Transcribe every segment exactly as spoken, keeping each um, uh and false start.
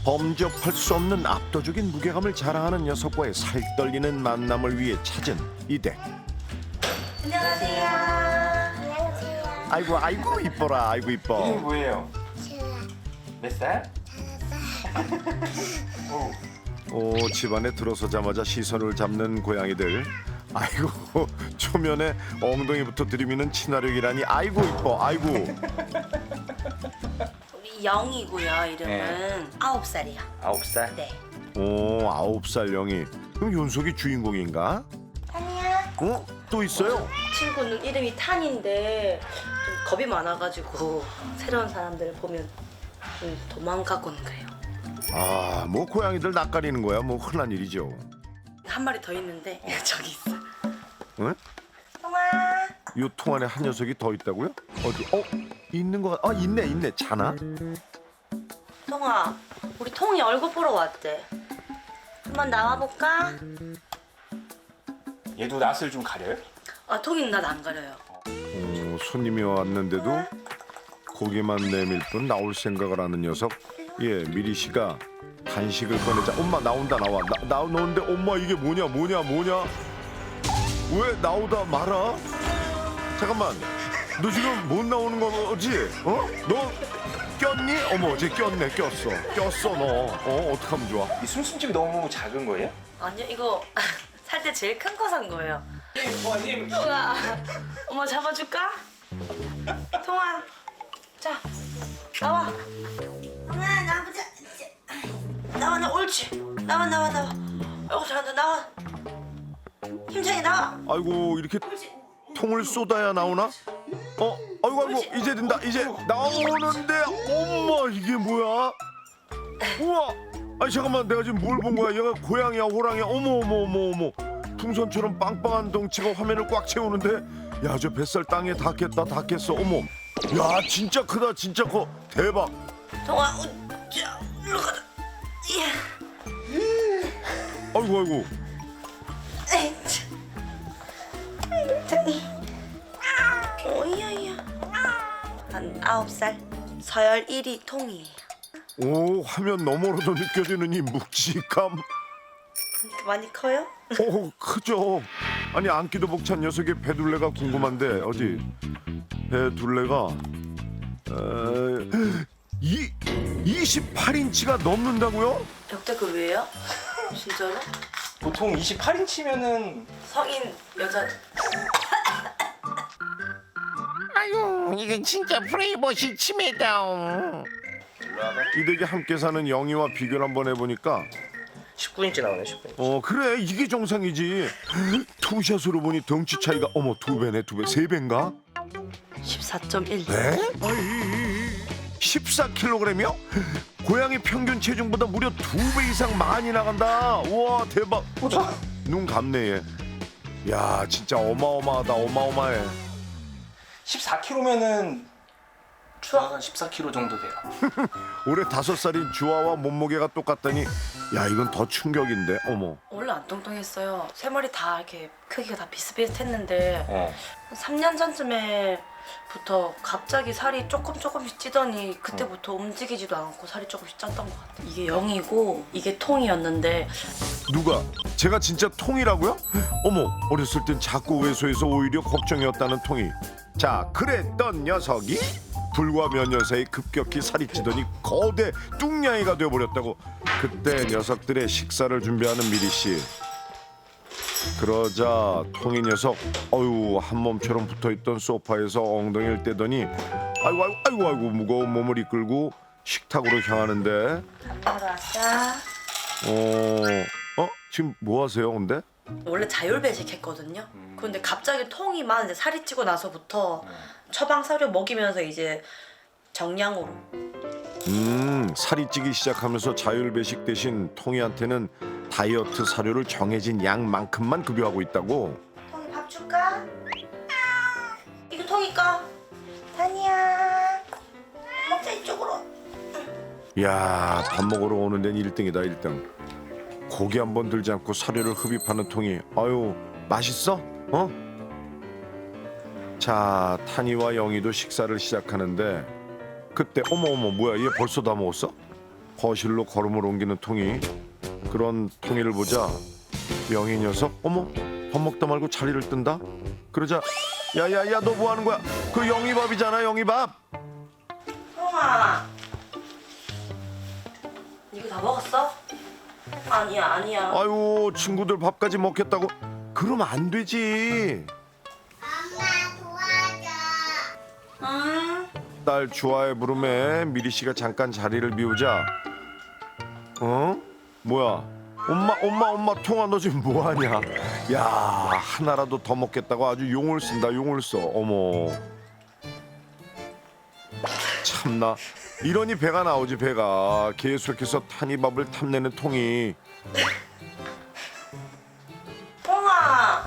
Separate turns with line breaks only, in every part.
범접할 수 없는 압도적인 무게감을 자랑하는 녀석과의 살떨리는 만남을 위해 찾은 이댁.
안녕하세요.
안녕하세요.
아이고 아이고 이뻐라 아이고
이름이
이뻐.
뭐예요?
제가
몇 살? 오,
오, 집안에 들어서자마자 시선을 잡는 고양이들. 아이고 초면에 엉덩이부터 들이미는 친화력이라니 아이고 이뻐 아이고.
우리 영이고요. 이름은
네.
아홉 살이요.
아홉 살.
네.
오 아홉 살 영이. 그럼 윤석이 주인공인가?
아니야.
어? 또 있어요?
친구는 이름이 탄인데 좀 겁이 많아가지고 새로운 사람들을 보면 좀 도망가곤 그래요.
아 뭐 고양이들 낯가리는 거야 뭐 흔한 일이죠.
한 마리 더 있는데 저기 있어.
응?
동아.
요 통 안에 한 녀석이 더 있다고요? 어디? 어? 있는 거 같... 아 있네 있네 자나?
통아, 우리 통이 얼굴 보러 왔대. 한번 나와볼까?
얘도 낯을 좀 가려요?
아, 통이는 난 안 가려요.
어, 손님이 왔는데도 고개만 내밀 뿐 나올 생각을 하는 녀석. 예, 미리 씨가 간식을 꺼내자. 엄마 나온다 나와. 나, 나오는데 엄마 이게 뭐냐 뭐냐 뭐냐? 왜 나오다 말아? 잠깐만. 너 지금 못 나오는 거지? 어? 너 꼈니? 어머, 쟤 꼈네, 꼈어. 꼈어 너. 어, 어떡하면 좋아?
이 숨숨집이 너무 작은 거예요?
아니요, 이거 살 때 제일 큰 거 산 거예요.
부모님.
통아, 엄마 잡아줄까? 통아, 자, 나와.
동아 나보자.
나와, 나 옳지. 나와, 나와, 나와. 아이고, 잘한다, 나와. 힘차게 나와.
아이고 이렇게 통을 쏟아야 나오나? 어? 아이고 아이고 이제 된다 이제 나오는데 엄마 이게 뭐야? 우와 아니 잠깐만 내가 지금 뭘 본 거야? 얘가 고양이야 호랑이야 어머 어머 어머 어머 풍선처럼 빵빵한 덩치가 화면을 꽉 채우는데 야 저 뱃살 땅에 닿겠다 닿겠어 어머 야 진짜 크다 진짜 커 대박
통아, 어, 자, 일로 가자. 예.
아이고 아이고
에이, 참. 통이. 오이야야. 한 아홉 살. 서열 일 위 통이에요.
오 화면 너머로도 느껴지는 이 묵직함
많이 커요?
오 크죠. 아니 안기도 벅찬 녀석의 배둘레가 궁금한데 어디 배둘레가 에, 이 이십팔 인치가 넘는다고요?
역대급이에요? 진짜로?
보통 이십팔 인치면은
성인 여자.
아유 이건 진짜 프레이버시 침해다.
이 댁에 함께 사는 영희와 비교를 한번 해보니까
십구 인치 나오네, 십구 인치.
어 그래 이게 정상이지. 투샷으로 보니 덩치 차이가 어머 두 배네 두 배 세 배인가?
십사 점 일.
에? 십사 킬로그램이요? 고양이 평균 체중보다 무려 두 배 이상 많이 나간다. 우와 대박. 눈 감네 얘. 야 진짜 어마어마하다 어마어마해.
십사 킬로그램면은 주화가 한 십사 킬로그램 정도 돼요.
올해 다섯 살인 주아와 몸무게가 똑같다니 야 이건 더 충격인데 어머.
원래 안 뚱뚱했어요. 세 마리 다 이렇게 크기가 다 비슷비슷했는데
어.
삼 년 전쯤에부터 갑자기 살이 조금 조금씩 찌더니 그때부터 움직이지도 않고 살이 조금씩 쪘던 것 같아요. 이게 영이고 이게 통이었는데
누가? 제가 진짜 통이라고요? 어머 어렸을 땐 자꾸 외소해서 오히려 걱정이었다는 통이. 자 그랬던 녀석이 불과 몇 년 사이 급격히 살이 찌더니 거대 뚱냥이가 되어버렸다고. 그때 녀석들의 식사를 준비하는 미리씨. 그러자 통이 녀석 어유 한 몸처럼 붙어있던 소파에서 엉덩이를 떼더니 아이고 아이고 아이고 아이고 무거운 몸을 이끌고 식탁으로 향하는데
바로 왔다.
어, 어? 지금 뭐 하세요 근데?
원래 자율배식 했거든요. 그런데 갑자기 통이 많은데 살이 찌고 나서부터 처방 사료 먹이면서 이제 정량으로.
음 살이 찌기 시작하면서 자율배식 대신 통이한테는 다이어트 사료를 정해진 양만큼만 급여하고 있다고.
통이 밥 줄까? 이거 통이까?
다니야.
먹자 이쪽으로.
야 밥 먹으러 오는 데는 일 등이다 일 등. 고기 한 번 들지 않고 사료를 흡입하는 통이. 아유 맛있어? 어? 자 타니와 영희도 식사를 시작하는데 그때 어머 어머 뭐야 얘 벌써 다 먹었어? 거실로 걸음을 옮기는 통이. 그런 통이를 보자 영희 녀석 어머 밥 먹다 말고 자리를 뜬다. 그러자 야야야 너 뭐 하는 거야? 그 영희 밥이잖아 영희 밥.
통아, 이거 다 먹었어? 아니야 아니야.
아유 친구들 밥까지 먹겠다고 그러면 안 되지.
응?
딸 주아의 부름에 미리 씨가 잠깐 자리를 비우자. 어? 뭐야? 엄마 엄마 엄마 통아 너 지금 뭐 하냐? 야 하나라도 더 먹겠다고 아주 용을 쓴다 용을 써. 어머. 참나 이러니 배가 나오지 배가. 계속해서 탄이밥을 탐내는 통이.
통아,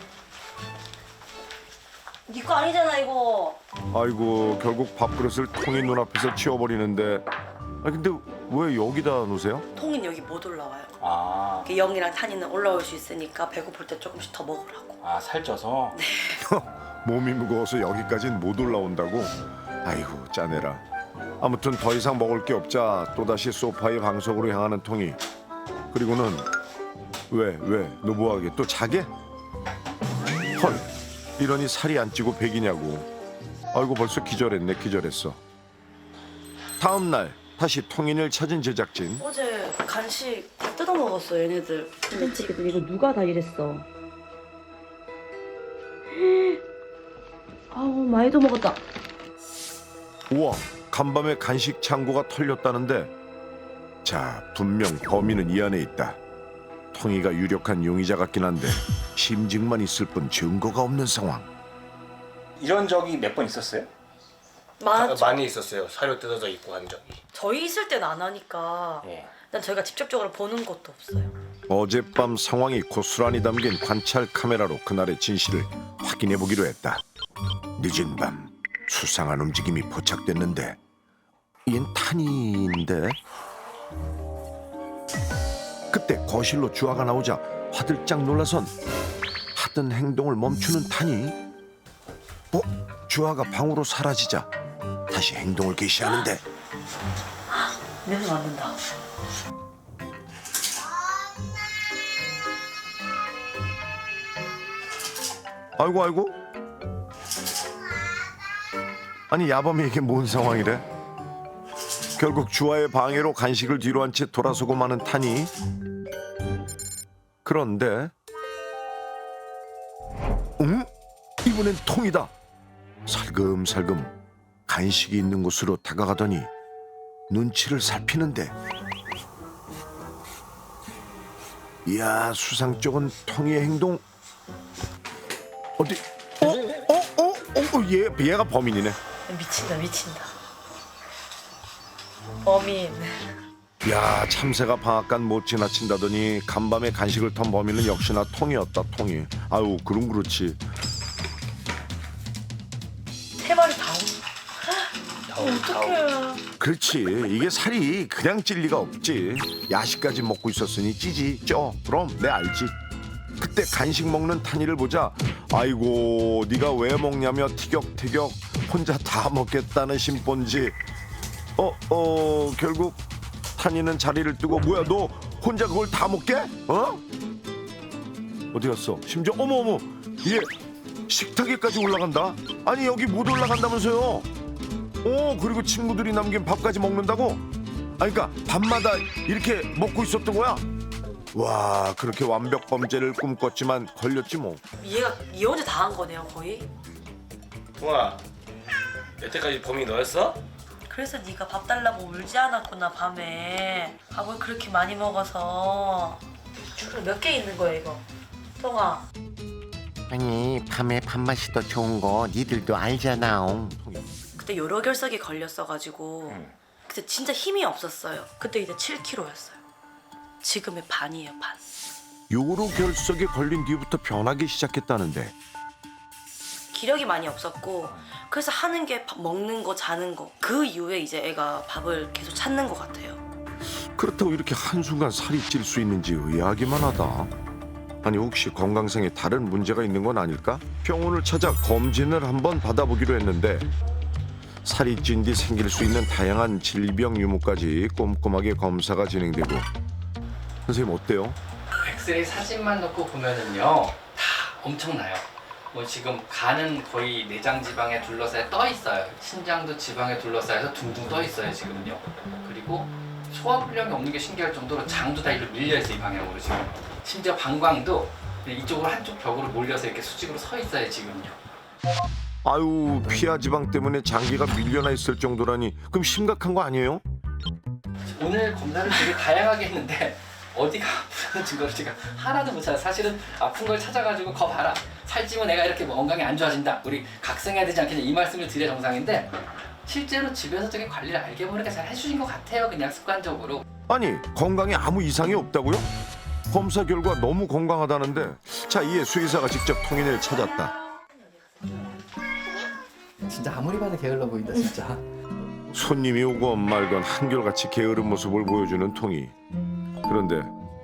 네 거 아니잖아 이거.
아이고 결국 밥그릇을 통이 눈앞에서 치워버리는데. 아 근데 왜 여기다 놓으세요?
통인 여기 못 올라와요.
아,
영이랑 탄이는 올라올 수 있으니까 배고플 때 조금씩 더 먹으라고.
아 살쪄서.
몸이 무거워서 여기까진 못 올라온다고? 아이고 짜내라. 아무튼 더 이상 먹을 게 없자 또다시 소파의 방석으로 향하는 통이. 그리고는 왜 왜 너 뭐하게 또 자게? 헐 이러니 살이 안 찌고 백이냐고. 아이고 벌써 기절했네 기절했어. 다음 날 다시 통인을 찾은 제작진.
어제 간식 다 뜯어 먹었어 얘네들. 근데 지금 이거 누가 다 이랬어? 아우 많이도 먹었다.
우와 간밤에 간식 창고가 털렸다는데. 자 분명 범인은 이 안에 있다. 통이가 유력한 용의자 같긴 한데 심증만 있을 뿐 증거가 없는 상황.
이런 적이 몇 번 있었어요?
많았죠.
많이 있었어요. 사료 뜯어져 있고 한 적이.
저희 있을 땐 안 하니까
예.
난 저희가 직접적으로 보는 것도 없어요.
어젯밤 상황이 고스란히 담긴 관찰 카메라로 그날의 진실을 확인해 보기로 했다. 늦은 밤 수상한 움직임이 포착됐는데 얜 탄이인데. 그때 거실로 주아가 나오자 화들짝 놀라선 하던 행동을 멈추는 탄이. 어? 주아가 방으로 사라지자 다시 행동을 개시하는데.
냄새 맡는다.
아이고 아이고. 아니 야밤에 이게 뭔 상황이래? 결국 주아의 방해로 간식을 뒤로 한 채 돌아서고 마는 탄이. 그런데 응? 이번엔 통이다. 살금살금 간식이 있는 곳으로 다가가더니 눈치를 살피는데. 이야 수상 쪽은 통이의 행동. 어디? 어? 어? 어? 어? 얘, 얘가 범인이네.
미친다 미친다. 범인.
야 참새가 방앗간 못 지나친다더니 간밤에 간식을 턴 범인은 역시나 통이었다 통이. 아유 그럼 그렇지.
세 마리 다 오네. 어떡해.
그렇지 이게 살이 그냥 찔 리가 없지. 야식까지 먹고 있었으니 찌지 쪄. 그럼 내 알지. 그때 간식 먹는 탄이를 보자 아이고 네가 왜 먹냐며 티격태격 혼자 다 먹겠다는 심본지. 어? 어 결국 탄이는 자리를 뜨고 뭐야 너 혼자 그걸 다 먹게? 어? 어디 갔어? 심지어 어머 어머 얘 식탁에까지 올라간다. 아니 여기 못 올라간다면서요. 어 그리고 친구들이 남긴 밥까지 먹는다고? 아니 그러니까 밤마다 이렇게 먹고 있었던 거야? 와 그렇게 완벽 범죄를 꿈꿨지만 걸렸지 뭐.
얘가 얘 혼자 다 한 거네요 거의.
통아, 여태까지 범인이 너였어?
그래서 네가 밥 달라고 울지 않았구나 밤에. 밥을 그렇게 많이 먹어서. 주로 몇 개 있는 거야 이거? 통아.
아니 밤에 밥맛이 더 좋은 거 니들도 알잖아.
그때 요로 결석이 걸렸어가지고 그때 진짜 힘이 없었어요. 그때 이제 칠 킬로그램였어요. 지금의 반이에요 반.
요로 결석에 걸린 뒤부터 변하기 시작했다는데.
기력이 많이 없었고 그래서 하는 게 밥 먹는 거 자는 거. 그 이후에 이제 애가 밥을 계속 찾는 것 같아요.
그렇다고 이렇게 한순간 살이 찔 수 있는지 의아하기만 하다. 아니 혹시 건강상에 다른 문제가 있는 건 아닐까? 병원을 찾아 검진을 한번 받아보기로 했는데 살이 찐 뒤 생길 수 있는 다양한 질병 유무까지 꼼꼼하게 검사가 진행되고 선생님 어때요?
엑스레이 사진만 놓고 보면은요 다 엄청나요. 뭐 지금 간은 거의 내장 지방에 둘러싸여 떠 있어요. 신장도 지방에 둘러싸여서 둥둥 떠 있어요 지금요. 그리고 소화불량이 없는 게 신기할 정도로 장도 다 일로 밀려 있어요 이 방향으로 지금. 심지어 방광도 이쪽으로 한쪽 벽으로 몰려서 이렇게 수직으로 서 있어요 지금요.
아유 피하 지방 때문에 장기가 밀려나 있을 정도라니 그럼 심각한 거 아니에요?
오늘 검사를 되게 다양하게 했는데 어디가 아프다는 증거를 제가 하나도 못 찾아요. 사실은 아픈 걸 찾아가지고 거 봐라. 살찌면 내가 이렇게 뭐 건강이 안 좋아진다. 우리 각성해야 되지 않겠냐 이 말씀을 드려야 정상인데 실제로 집에서 저게 관리를 알게 모르게 잘 해주신 것 같아요. 그냥 습관적으로.
아니 건강에 아무 이상이 없다고요? 검사 결과 너무 건강하다는데 자 이에 수의사가 직접 통인을 찾았다.
진짜 아무리 봐도 게을러 보인다 진짜.
손님이 오건 말건 한결같이 게으른 모습을 보여주는 통이. 그런데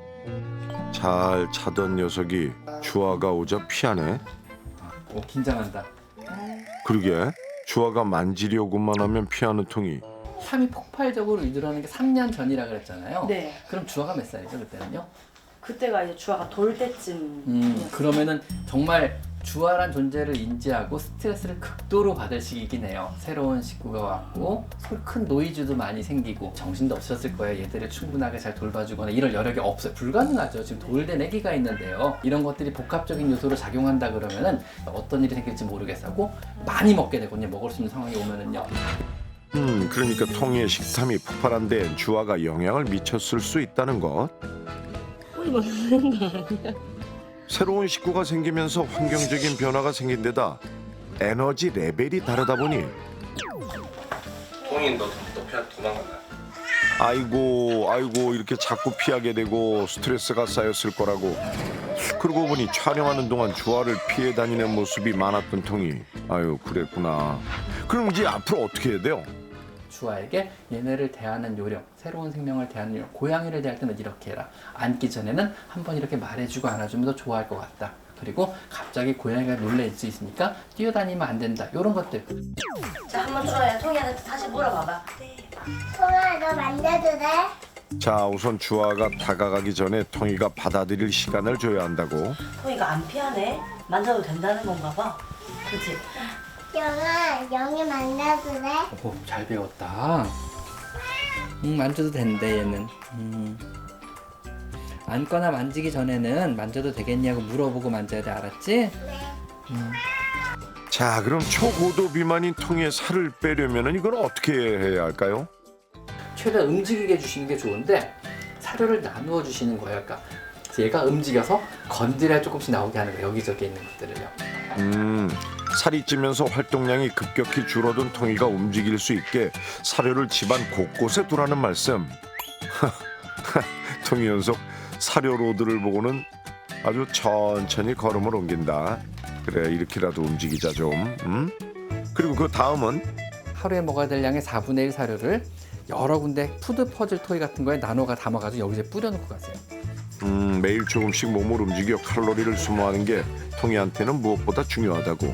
잘 차던 녀석이 주아가 오자 피하네.
오 긴장한다.
그러게 주아가 만지려고만 하면 피하는 통이.
삶이 폭발적으로 유들어는 게 삼 년 전이라 그랬잖아요.
네.
그럼 주아가 몇 살이죠 그때는요?
그때가 이제 주아가 돌 때쯤.
음 그러면은 정말 주아란 존재를 인지하고 스트레스를 극도로 받을 시기이긴 해요. 새로운 식구가 왔고 큰 노이즈도 많이 생기고 정신도 없었을 거예요. 얘들을 충분하게 잘 돌봐주거나 이럴 여력이 없어요. 불가능하죠. 지금 돌된 아기가 있는데요. 이런 것들이 복합적인 요소로 작용한다 그러면은 어떤 일이 생길지 모르겠고 많이 먹게 되거든요. 먹을 수 있는 상황이 오면은요.
음 그러니까 통이의 식탐이 폭발한 데엔 주아가 영향을 미쳤을 수 있다는 것. 새로운 식구가 생기면서 환경적인 변화가 생긴 데다 에너지 레벨이 다르다 보니
통인 너, 너 피하 도망간다.
아이고 아이고 이렇게 자꾸 피하게 되고 스트레스가 쌓였을 거라고. 그러고 보니 촬영하는 동안 주아를 피해 다니는 모습이 많았던 통이. 아유 그랬구나. 그럼 이제 앞으로 어떻게 해야 돼요?
주아에게 얘네를 대하는 요령, 새로운 생명을 대하는 요령, 고양이를 대할 때는 이렇게 해라. 앉기 전에는 한번 이렇게 말해주고 안아주면 더 좋아할 것 같다. 그리고 갑자기 고양이가 놀랄 수 있으니까 뛰어다니면 안 된다. 이런 것들.
자, 한번 주아야 통이한테 다시 물어봐봐.
통아, 너 만져도 돼?
자 우선 주아가 다가가기 전에 통이가 받아들일 시간을 줘야 한다고.
통이가 안 피하네? 만져도 된다는 건가 봐. 그치?
영아, 영이 만져도 돼?
오, 잘 배웠다. 음, 만져도 된대 얘는. 음. 앉거나 만지기 전에는 만져도 되겠냐고 물어보고 만져야 돼. 알았지?
네.
음.
자 그럼 초고도 비만인 통이의 살을 빼려면 이걸 어떻게 해야 할까요?
최대한 움직이게 해주시는 게 좋은데 사료를 나누어 주시는 거예요. 그러니까 얘가 움직여서 건드려야 조금씩 나오게 하는 거예요. 여기저기 있는 것들을요.
음 살이 찌면서 활동량이 급격히 줄어든 통이가 움직일 수 있게 사료를 집안 곳곳에 두라는 말씀. 통이 연속 사료 로드를 보고는 아주 천천히 걸음을 옮긴다. 그래 이렇게라도 움직이자 좀. 음? 그리고 그 다음은
하루에 먹어야 될 양의 사분의 일 사료를 여러 군데 푸드 퍼즐 토이 같은 거에 나눠가 담아가지고 여기서 뿌려놓고 가세요.
음, 매일 조금씩 몸을 움직여 칼로리를 소모하는 게 통이한테는 무엇보다 중요하다고.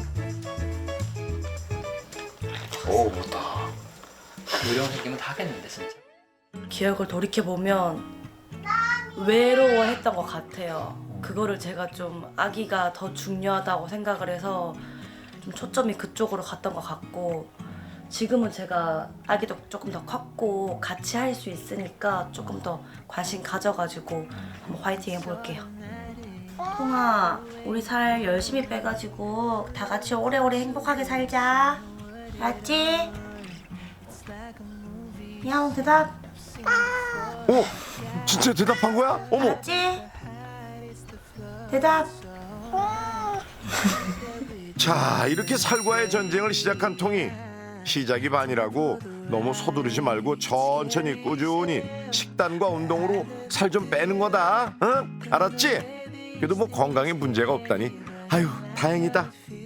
오 못다.
요령 생기면 다 하겠는데 진짜.
기억을 돌이켜보면 외로워했던 것 같아요. 그거를 제가 좀 아기가 더 중요하다고 생각을 해서 좀 초점이 그쪽으로 갔던 것 같고 지금은 제가 아기도 조금 더 컸고 같이 할 수 있으니까 조금 더 관심 가져가지고 한번 화이팅 해볼게요. 통아, 우리 살 열심히 빼가지고 다 같이 오래오래 행복하게 살자. 알았지? 야옹 대답.
어? 진짜 대답한 거야? 어머!
알았지? 대답.
자 이렇게 살과의 전쟁을 시작한 통이. 시작이 반이라고 너무 서두르지 말고 천천히 꾸준히 식단과 운동으로 살 좀 빼는 거다. 응? 알았지? 그래도 뭐 건강에 문제가 없다니 아유 다행이다.